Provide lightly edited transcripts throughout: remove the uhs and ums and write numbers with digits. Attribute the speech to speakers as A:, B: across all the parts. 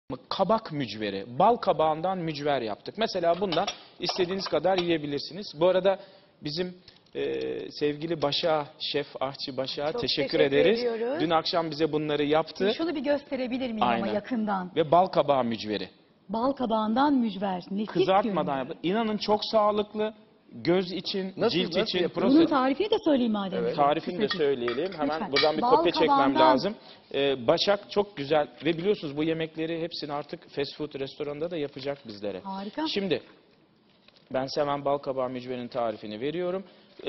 A: Kabak mücveri, bal kabağından mücver yaptık. Mesela bundan istediğiniz kadar yiyebilirsiniz. Bu arada bizim sevgili Başak'a, Şef Ahçı Başak'a
B: Çok
A: teşekkür
B: teşekkür
A: ederiz.
B: ediyoruz.
A: Dün akşam bize bunları yaptı.
B: Şunu bir gösterebilir miyim ama
A: Aynen.
B: yakından?
A: Ve bal kabağı mücveri.
B: Bal kabağından mücver. Nefis
A: Kızartmadan
B: görünüyor.
A: yaptı. İnanın çok sağlıklı. Göz için, cilt için,
B: Bunun
A: prostat.
B: tarifini de söyleyeyim madem.
A: Evet. Tarifini de söyleyelim. Hemen
B: Lütfen.
A: buradan bir
B: Bal
A: kopya çekmem
B: kabağından.
A: lazım. Başak çok güzel ve biliyorsunuz bu yemekleri hepsini artık fast food restoranında da yapacak bizlere.
B: Harika.
A: Şimdi ben size hemen bal kabağı mücverinin tarifini veriyorum.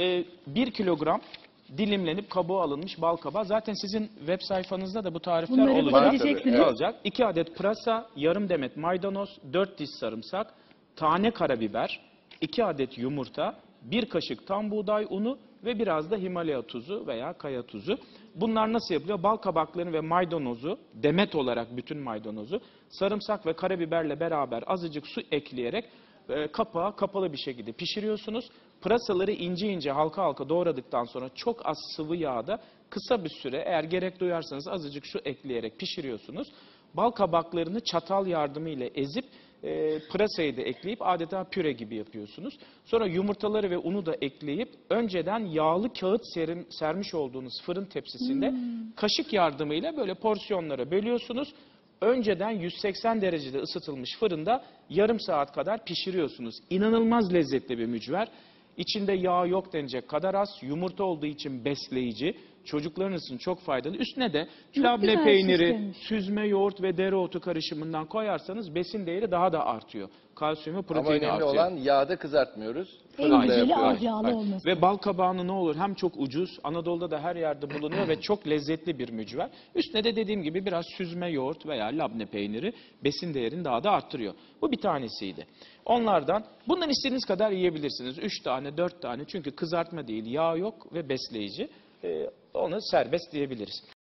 A: 1 kilogram dilimlenip kabuğu alınmış bal kabağı. Zaten sizin web sayfanızda da bu tarifler
B: Bunları
A: olacak.
B: bulabileceksiniz.
A: Olacak. 2 adet pırasa, yarım demet maydanoz, 4 diş sarımsak, tane karabiber, 2 adet yumurta, 1 kaşık tam buğday unu ve biraz da Himalaya tuzu veya kaya tuzu. Bunlar nasıl yapılıyor? Bal kabaklarını ve maydanozu, demet olarak bütün maydanozu, sarımsak ve karabiberle beraber azıcık su ekleyerek kapağı kapalı bir şekilde pişiriyorsunuz. Pırasaları ince ince halka halka doğradıktan sonra çok az sıvı yağda kısa bir süre eğer gerek duyarsanız azıcık su ekleyerek pişiriyorsunuz. Bal kabaklarını çatal yardımıyla ezip pırasayı da ekleyip adeta püre gibi yapıyorsunuz. Sonra yumurtaları ve unu da ekleyip önceden yağlı kağıt sermiş olduğunuz fırın tepsisinde kaşık yardımıyla böyle porsiyonlara bölüyorsunuz. Önceden 180 derecede ısıtılmış fırında yarım saat kadar pişiriyorsunuz. İnanılmaz lezzetli bir mücver. İçinde yağ yok denecek kadar az. Yumurta olduğu için besleyici. Çocuklarınız için çok faydalı. Üstüne de labne peyniri,
B: süslemiş.
A: süzme yoğurt ve dereotu karışımından koyarsanız besin değeri daha da artıyor. Kalsiyumu,
C: Ama
A: proteini
C: önemli
A: artıyor.
C: olan yağda kızartmıyoruz.
B: En
C: Fırında
B: güzeli
C: yapıyoruz.
B: az yağlı olması.
A: Ve bal kabağını ne olur hem çok ucuz, Anadolu'da da her yerde bulunuyor ve çok lezzetli bir mücver. Üstüne de dediğim gibi biraz süzme yoğurt veya labne peyniri besin değerini daha da arttırıyor. Bu bir tanesiydi. Onlardan bundan istediğiniz kadar yiyebilirsiniz. 3 tane, 4 tane çünkü kızartma değil, yağ yok ve besleyici. Onu serbest diyebiliriz.